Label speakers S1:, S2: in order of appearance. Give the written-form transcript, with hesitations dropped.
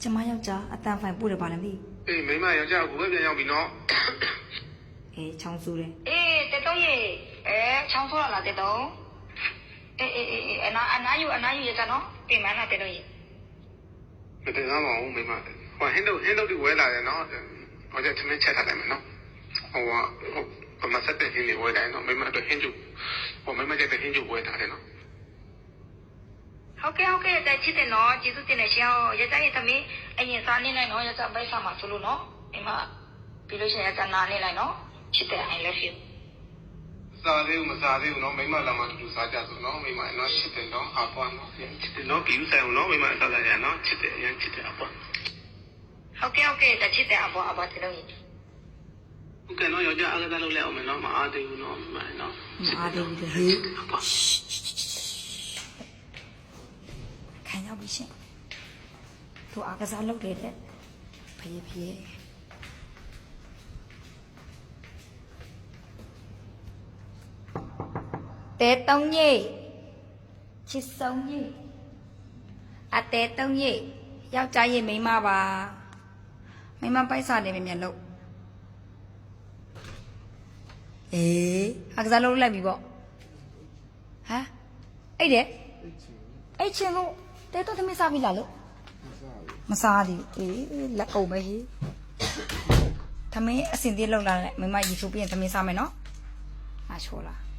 S1: ကျမယောက်ျားအတန်ဖိုင်ပို့တယ်ပါလားမသိ
S2: အေးမိမယောက်ျားကိုပဲပြန်ရောက်ပြီနော်
S1: အေးချောင်းဆူတယ်
S3: အေးတက်တော့ရေချောင်းဆိုးလာတက်တော့အေးအနာယူရကြနော်ပြင်မလားတက်တော့ရေ
S2: မတင်သားပါဘူးမိမဟိုဟင်းတို့ဒီဝဲလာတယ်နော်ဟိုကျသမင်းချက်ထားတယ်မယ်နော်ဟိုကမဆက်တဲ့ဟင်းတွေဝဲတယ်နော်မိမတို့ဟင်းကျူဟိုမိမကျတဲ့ဟင်းကျူဝဲထားတယ်နော်
S3: ဟုတ်ကဲ့တက်ချစ်တယ်နော်ကျေးဇူးတင်တယ်ရှင်ရကြရဲ့သမီးအရင်စားနေလိုက်နော်ရကြပိုက်စားမှာဆိုလို့နော်အိမ်မှာပြီးလို့ရှိရင်ရကြနာနေလိုက်နော်ချစ်တယ် I love you
S2: စားသေးဘူးမစားသေးဘူးနော်မိမလာမှတူစားကြဆိုနော်မိမနော်ချစ်တယ်နော်အပွားနော်ချစ်တယ်နော်ပြီးဆိုင်အောင်နော်မိမစားကြရနော်ချစ်တယ်ရမ်းချစ်တယ်အပွား
S3: ဟုတ်ကဲ့တက်ချစ်တယ်အဘောတက်လို့ရေ
S2: ဟုတ်ကဲ့နော်ယောက်ျားအားကစားလုပ်လိုက်အောင်မယ်နော်မအားသေးဘူးနော်မိမနော်
S1: မအားသေးဘူးလေဟေးခံရောက်ပြီရှင်သူအားကစားလုပ်တယ်တဲ့ဖေးဖေးတဲတုံးကြီးချစ်ဆုံးကြီးအတဲတုံးကြီးယောက်ျားရဲ့မိန်းမပါမိန်းမပိုက်စားတယ်မြန်လို့အေးအားကစားလုပ်လိုက်ပြီပေါ့ဟမ်အဲ့တဲ့အဲ့ချင်းလို့တဲတော့သမီးစားပြီလားလို့မစားသေးဘူးအေးလက်အောင်ပဲဟေးသမီးအစင်သေးလောက်လာလိုက်မိမရေချိုးပြီးရင်သမီးစားမယ်နော်အားချိုးလား